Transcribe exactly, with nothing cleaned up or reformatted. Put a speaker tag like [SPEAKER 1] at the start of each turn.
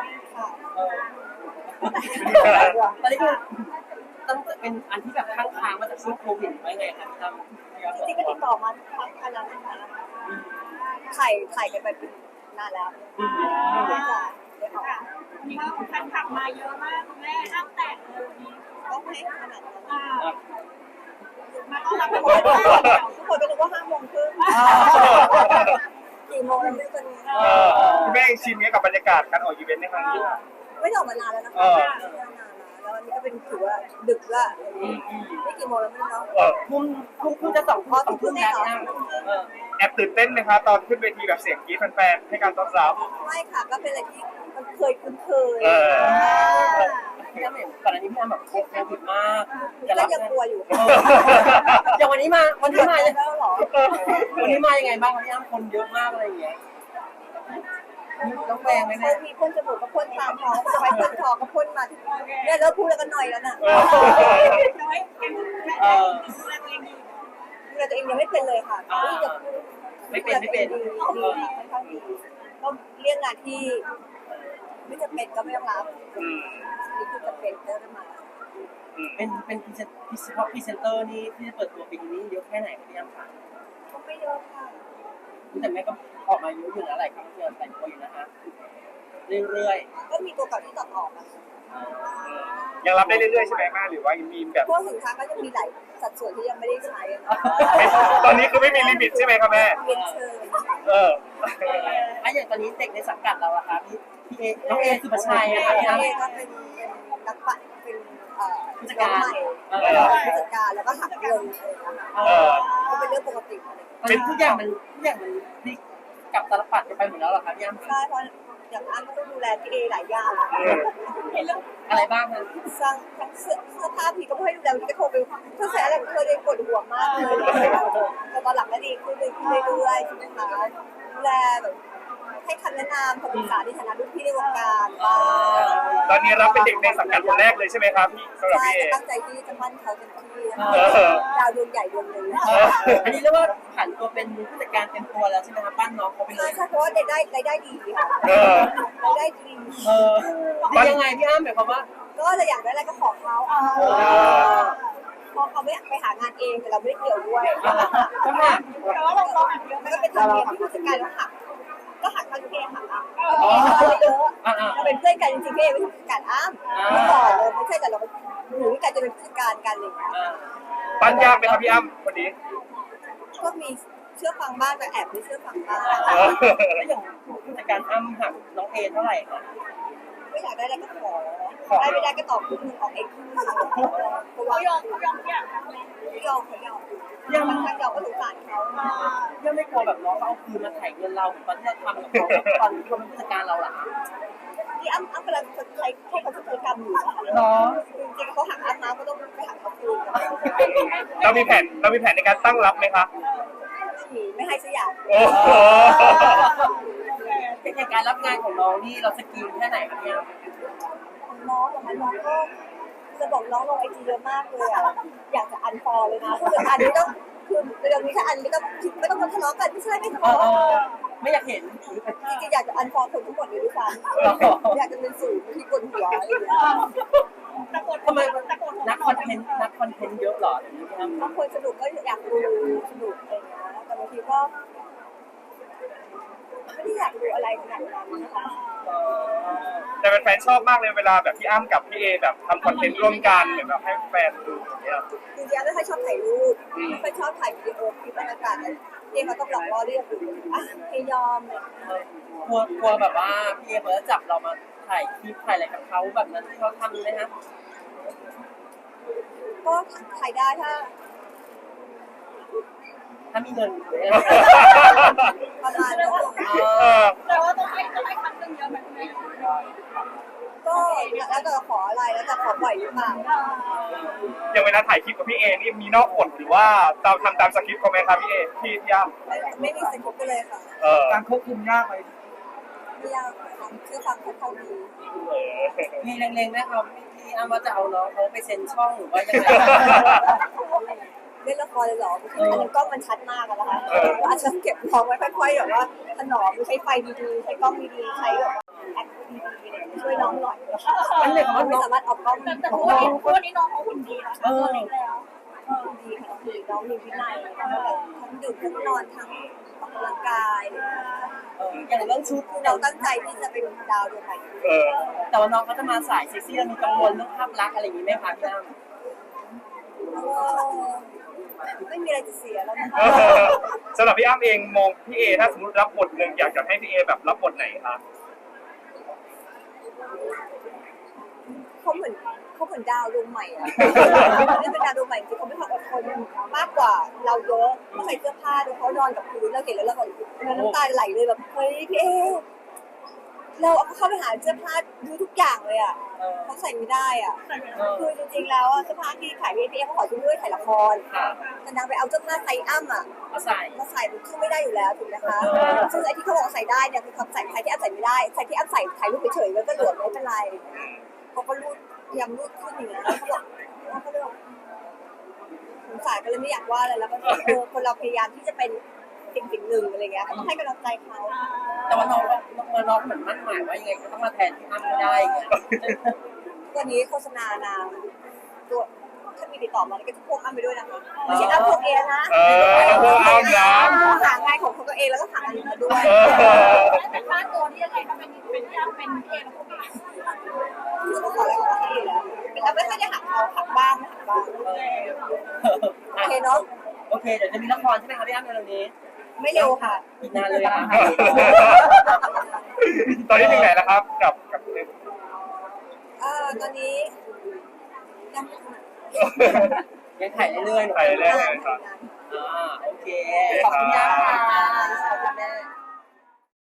[SPEAKER 1] ค่ะ
[SPEAKER 2] ตอนนี้คือต้องเป็นอันที่แบบค้างค้างมาจากช่วงโควิดไว้ไงครับทำ
[SPEAKER 1] จริงๆก็ติดต่อมาทั้งอันนั้นนะคะถ่ายถ่ายกันไปเป็นนานแล้วไม่จะได้ออก
[SPEAKER 3] มีแฟนคลับมาเยอะมากคุณแม่ห้ามแตกเลยวันนี้
[SPEAKER 1] ก็ไม่ขนาดนั้น
[SPEAKER 3] มาต้อนรับ
[SPEAKER 1] ทุ
[SPEAKER 3] ทุ
[SPEAKER 1] ก
[SPEAKER 3] ก
[SPEAKER 1] ค
[SPEAKER 3] คน น
[SPEAKER 1] ทุกคนก็นึกว่าห้าโมงครึ่งกี่โมงแล้วไม่รู้ตอนนี้
[SPEAKER 4] เออคุณแม่ชินกับบรรยากาศการออกอีเวนต์ในครั้งนี้
[SPEAKER 1] ไม่ได้ออกมานานแล้วนะคะนานแล้วแล้วอันนี้ก็เป็นถือว่าดึกละไม่กี่โมงแล้วไม่รู้เนาะ
[SPEAKER 4] เออ
[SPEAKER 2] พุ่มพุ่มพุ่มจะสองข้อสองพุ่มแล้วนะเออ
[SPEAKER 4] แอบตื่นเต้นไหมคะตอนขึ้นเวทีแบบเสียงกรี๊ดแฟนๆให้การต้อนรับ
[SPEAKER 1] ไม่ค่ะก็เป็นอะไรที่มันเคยคุ้นเคย
[SPEAKER 4] เออ
[SPEAKER 2] พี่อ้ำเห็นก่อนอันนี้พี่อ้ำแบบโควิดมาก
[SPEAKER 1] ก็ยังกลัวอยู่
[SPEAKER 2] อย่างวันนี้มาวันนี้มา
[SPEAKER 1] แล้วหรอ
[SPEAKER 2] วันนี้มายังไงบ้างพี่อ้ำคนเยอะมากอะไรอย่างเงี้ยต้องแปลงไหม
[SPEAKER 1] เค
[SPEAKER 2] เนี่ย
[SPEAKER 1] ยมีพ่นจมูกก็พ่นตามท้องสบายพ่นคอก็พ่นมาเนี่ยเลิกพูดแล้วก็หน่อยแล้วน่ะ
[SPEAKER 3] น้อยยังแม่ดูแลตัวเองดี
[SPEAKER 1] ดูแลตัวเองยังไม่เป็นเลยค่ะนี่จะ
[SPEAKER 2] ไม่เป็นไม่เป็น
[SPEAKER 1] ดีค่ะค่อนข้างดีก็เรื่องงานที่ไม่จำเป็นก็ไม่ต้องรับ
[SPEAKER 4] อืม
[SPEAKER 1] นี่คือจำเป็นก็จะมา
[SPEAKER 4] อืม
[SPEAKER 2] เป็นเป็นพรีเซนเฉพาะพรีเซนเตอร์นี่ที่จะเปิดตัวปีนี้เยอะแค่ไหนครับพี่อ้ำคะ
[SPEAKER 1] ก็ไม่เยอะค่ะ
[SPEAKER 2] แต่แม่ก็ออกมาเยอะอยู่นะหลายครั้งที่เราแต่งตัวอยู่นะฮะเรื่อย
[SPEAKER 1] ก็มีตัวเก่าที่ตัดออกอะ
[SPEAKER 2] ๆ
[SPEAKER 4] ยังรับได้เรื่อยๆใช่ไหมแม่หรือว่ามีแบบ
[SPEAKER 1] พวกสินค้าก็จะมีหลายสัดส่วนที่ยังไม่ได้ใช้อะ
[SPEAKER 4] ตอนนี้คือไม่มีลิมิตใช่ไหมครับแม่
[SPEAKER 1] เรียนเชิญ
[SPEAKER 4] เออ
[SPEAKER 2] อ่ะอย่างตอนนี้เด็กในสังกัดเราอะครับพี่พี่เอน้องเอสุภชัยนะครับพี่
[SPEAKER 1] เอ
[SPEAKER 2] อ้ำ
[SPEAKER 1] ก็เป็นนักปั่นเป็นเอ่อ
[SPEAKER 2] ผู้จัด
[SPEAKER 1] น้
[SPEAKER 2] กา
[SPEAKER 1] อง
[SPEAKER 2] ร
[SPEAKER 1] ใหม่ผู้จัดการแล้วก็หักเงินอะไรอย่างเงี้ย
[SPEAKER 2] เอ
[SPEAKER 4] เอ
[SPEAKER 2] อ
[SPEAKER 4] อ
[SPEAKER 1] ก็เป็นเรื่องปกติ
[SPEAKER 2] เป็นทุกอย่างมันทุกอย่างมันพลิกกลับตาลปัดกันไปหมดแล้วเหรอครับพี่อ้ำ
[SPEAKER 1] ใช่เพราะอย่างอันก็ต้องดูแลพี่เอหลายอย่าง
[SPEAKER 3] เห็นแล้ว
[SPEAKER 2] อะไรบ้างคะ
[SPEAKER 1] สร้างทั้งเสื้อเสื้อผ้าพี่ก็ไม่ให้ดูแลพี่ก็โทรไปเพื่อแสอะไรเคยเลยปวดหัวมากเลยแต่ตอนหลังก็ดีขึ้นเลยขึ้นเรื่อยๆใช่ไหมคะดูแลแบบให้คำแนะนำคำปรึกษาในฐานะรุ่นพี่ในวงการบ้าง
[SPEAKER 4] ตอนนี้รับเป็นเด็กในสังกัดคนแรกเลยใช่ไหมครับพี่สำหรับ
[SPEAKER 1] ใช่
[SPEAKER 4] พี่เอ
[SPEAKER 1] ก็ตั้งใจที่จะมั่นเขาเต็มที่นะคะ
[SPEAKER 4] เออ
[SPEAKER 1] ดาวดวงใหญ่ดวงหนึ่ง
[SPEAKER 2] อันนี้เรียกว่าผันตัวเป็นผู้จัดการเต็มตัวแล้วใช่ไหมครับปั้นน้องเขาไปเล
[SPEAKER 1] ใช่
[SPEAKER 2] ย
[SPEAKER 1] ใช่เพราะว่าได้ได้รายได้ดีค่ะ
[SPEAKER 4] เออ
[SPEAKER 1] รายได้ดี
[SPEAKER 2] เออดียังไงพี่อ้ำหมายความว่า
[SPEAKER 1] ก็จะอยากได้อะไรก็ขอเขาพอเขาไม่ไปหางานเองแต่เราไม่ได้เกี่ยวด้วย
[SPEAKER 2] ก็หัก
[SPEAKER 3] แต่ว่าเราเราหักเยอะ
[SPEAKER 1] มันก็เป็นธรรมเนียมที่ผู้จัดการต้องหักก็หักทั้งเพหักอ่ะเยอะ
[SPEAKER 2] อ่า
[SPEAKER 1] เราเป็นเพื่อนกันจริงๆพี่เอไม่ใช่ผู้จัดการอ้ำไม่ต่อเลยไม่ใช่แต่เราอยู่ด้วยกันจะเป็นผู้จัดการกันอะไรอย่างเงี้ย
[SPEAKER 2] อ่า
[SPEAKER 4] ปั้นยากไหมครับพี่อ้ำคนนี้
[SPEAKER 1] ก็มีเชื่อฟังบ้างแต่แอบไม่เชื่อฟังบ้าง
[SPEAKER 4] เออ
[SPEAKER 2] แล้วอย่างผู้จัดการอ้ำหักน้องเอเท่าไหร่คะ
[SPEAKER 1] ไม่อยากได้อะไรก็ขอได้ไม่ได้ก็ตอบครึ่งหนึ่งออกเองครึ่งหนึ่งเพราะว่า
[SPEAKER 3] เขายอมเขายอมทุกอย่างทำเลย
[SPEAKER 1] ไม่ยอมเขายอมยังบางครั้งเราก็สงสารเขา
[SPEAKER 2] ยังไม่กลัวแบบน้องเขาเอาคืนมาไถ่เงินเราตอนที่เราทำกับเขาตอนที่เขาเป็นผู้จัดการเราล่ะ
[SPEAKER 1] ที่อ้ำอ้ำกำลังจะใช้ให้เขาใช้กรรมอยู่
[SPEAKER 2] เนาะ
[SPEAKER 1] จริงๆเขาหักอ้ำมาก็ต้องไปหักเขาคืน
[SPEAKER 4] เรามีแผนเรามีแผนในการตั้งรับไหมคะ
[SPEAKER 1] ไม่ให้สักอย่าง
[SPEAKER 4] โอ้โห
[SPEAKER 2] เป็นอย่างการรับงานของน้องนี่เราสกิลแค่ไหนครับเนี่ย
[SPEAKER 1] น้องของมันน้องก็จะบอกน้องลงไอจีเยอะมากเลยอ่ะอยากจะอันฟอลเลยนะคืออันนี้ต้องคือเรื่องนี้ถ้าอันไม่ต้องไม่ต้องมาทะเลาะกันไม่ใช่ไม่ทะ
[SPEAKER 2] เอ
[SPEAKER 1] เลาะ
[SPEAKER 2] อไม่อยากเห็น
[SPEAKER 1] จริงๆอยากจะอันฟอลคนทั้งหมดเลยด้วยซ้ำอยากจะเป็นสื่อที่กลหัวอะไรอย่างเงี้ย
[SPEAKER 3] ตะโกน
[SPEAKER 2] ทำไม
[SPEAKER 3] ตะโกน
[SPEAKER 2] นักคอนเทนต์นักคอนเทนต์เยอะเหรออย่างนี้ครับ
[SPEAKER 1] บางคนสนุกก็อยากดูสนุกอะไรอย่างเงี้ยแต่บางทีก็ไม่ได้อยากดูอะไรขนาดนั้นนะคะ
[SPEAKER 4] แต่แฟนๆชอบมากเลยเวลาแบบพี่อ้ำกับพี่เอแบบทำคอนเทนต์ร่วมกันเหมือนแบบให้แฟนดูอย่างเงี้ย
[SPEAKER 1] จริงๆแล้วถ้าชอบถ่ายรูปไม่ค่อยชอบถ่ายวิดีโอคลิปบรรยากาศอะไรที่เขาต้องหลอกล่อเรียกอยู่อ่ะให้ยอมเลย
[SPEAKER 2] กลัวกลัวแบบว่าพี่เอเขาจะจับเรามาถ่ายคลิปถ่ายอะไรกับเขาแบบนั้นที่เขาทำไหมฮะ
[SPEAKER 1] ก็ถ่ายได้ถ้า
[SPEAKER 2] ถ้ามีเงิน
[SPEAKER 1] ประมาณนั้น
[SPEAKER 4] เออ
[SPEAKER 3] แต่ว่าต้องให้ต้องให้คำนึงเยอะแบบนี้
[SPEAKER 1] ก็แล้วแต่ขออะไรแล้วแต่ขอปล่อยหรือเปล่า
[SPEAKER 4] อย่างเวลาถ่ายคลิปกับพี่เอนี่มีนอกบทหรือว่าตามทำตามสคริปต์เขาไหมครับพี่เอพี่พี่อ้ำ
[SPEAKER 1] ไม่ไม่มีสกิปต์เลยค่ะ
[SPEAKER 4] เออ
[SPEAKER 2] การควบคุมยากไหม
[SPEAKER 1] ไม่ยากค่ะคือฟังค่อนข้างดี
[SPEAKER 4] เออ
[SPEAKER 2] มีเล็งๆไหมครับพี่อ้ำว่าจะเอาน้องเขาไปเซ็นช่องหรือว่ายังไง
[SPEAKER 1] เล่นละครเลยเหรออันนั้นกล้องมันชัดมากอะนะคะอาจจะเก็บน้องไว้ค่อยๆแบบว่าถนอมใช้ไฟดีๆใช้กล้องดีๆใช้แบบแอคดีๆอะไรอย่างเงี้ยช่วยน้องหน่อย
[SPEAKER 2] มันเลยว่า
[SPEAKER 1] ไม่
[SPEAKER 2] น้อง
[SPEAKER 1] สามารถออกกล้อง
[SPEAKER 3] แต่แต่ทุกวันนี้ทุกวันนี้น้องเขาหุ่นดีแล้วตัวเล็กแล้ว
[SPEAKER 1] ดีค่ะคือน้องมีวินัยแล้วก็แบบทั้งดื่มทั้งนอนทั้งออกกำลังกาย
[SPEAKER 2] เอออย่างเรื่องชุด
[SPEAKER 1] คือเราตั้งใจที่จะเป็นดาวดวงใหม่
[SPEAKER 4] เออ
[SPEAKER 2] แต่ว่าน้องเขาจะมาสายเซ็กซี่แล้วมีกังวลเรื่องภาพลักษณ์อะไรอย่างนี้ไหมคะพี่อ้ำ
[SPEAKER 1] ไม่มีอะไรจะเสียแล้วนะคะ
[SPEAKER 4] เออสำหรับพี่อ้ำเองมองพี่เอถ้าสมมติรับบทหนึ่งอยากจะให้พี่เอแบบรับบทไหนคะ
[SPEAKER 1] เขาเหมือนเขาเหมือนดาวดวงใหม่อะนี่เป็นดาวดวงใหม่จริงเขาไม่ความอดทนมากกว่าเราเยอะเขาใส่เสื้อผ้าดูเขานอนกับพื้นเราเห็นแล้วเราแบบน้ำตาไหลเลยแบบเฮ้ยพี่เอเราเอาเข้าไปหาเสื้อผ้าดูทุกอย่างเลยอ่ะ
[SPEAKER 2] เออ
[SPEAKER 1] เขาใส่ไม่ได้อ่ะ
[SPEAKER 2] เออ
[SPEAKER 1] คือจริงๆแล้วอะเสื้อผ้าที่ขายพี่เอเขาขอซื้อด้วยถ่ายละคร
[SPEAKER 2] ค่ะ
[SPEAKER 1] แต่นางไปเอาเสื้อผ้าไซส์อ้ำอ่ะ
[SPEAKER 2] มาใส่
[SPEAKER 1] มาใส่มันขึ้นไม่ได้อยู่แล้วถูกไหมคะ
[SPEAKER 2] เออ
[SPEAKER 1] ซึ่งไอ้ที่เขาบอกใส่ได้เนี่ยคือเขาใส่ใส่ที่อ้ำใส่ไม่ได้ใส่ที่อ้ำใส่ถ่ายรูปเฉยๆแล้วก็เหลือไม่เป็นไรเขาก็รูดพยายามรูดขึ้นอย่างเงี้ยเขาบอกว่าเขาเลยบอกสงสารก็เลยไม่อยากว่าอะไรแล้วก็เออคนเราพยายามที่จะเป็นสิ่งสิ่งหนึ่งอะไรเงี้ยก็ต้องให้กำลังใจเขา
[SPEAKER 2] แต่ว่าน้องก็น้องเหมือนมั่นหมายว่ายังไงก็ต้องมาแทนพี่อ้ำไม่ได้อย่างเงี้ย
[SPEAKER 1] วันนี้โฆษณานางตัวถ้ามีติดต่อมาก็จะพ่วงอ้ำไปด้วยนะคะไม่ใช่อ้ำพวกเองนะ
[SPEAKER 4] เออพวกอ้ำนะ
[SPEAKER 1] หางานของตัวเองแล้วก็หางานอื่นมาด้วย
[SPEAKER 4] เออ
[SPEAKER 3] แต่ค่าตัวนี่ยังไงถ้าเป็นเป็นที่อ้ำเป็นเอแล้วพวกนี้
[SPEAKER 1] คือเขาขออะไรของเขาอยู่แล้วเราไม่ค่อยได้หักเขาหักบ้างหักบ้างโอเคเนาะ
[SPEAKER 2] โอเคเดี๋ยวจะมีละครใช่ไหมคะพี่อ้ำในเร็วนี้
[SPEAKER 1] ไม่เร็วค่ะ
[SPEAKER 2] อีกนานเลยค่ะ
[SPEAKER 4] ตอนนี้ถึงไหนแล้วครับกับกับ
[SPEAKER 1] เอ่อตอนนี้ยัง
[SPEAKER 2] ยังถ่ายเรื่อยๆหนู
[SPEAKER 4] ไปเรื่อยๆครับ
[SPEAKER 2] อ่าโอเคขอบคุณย่า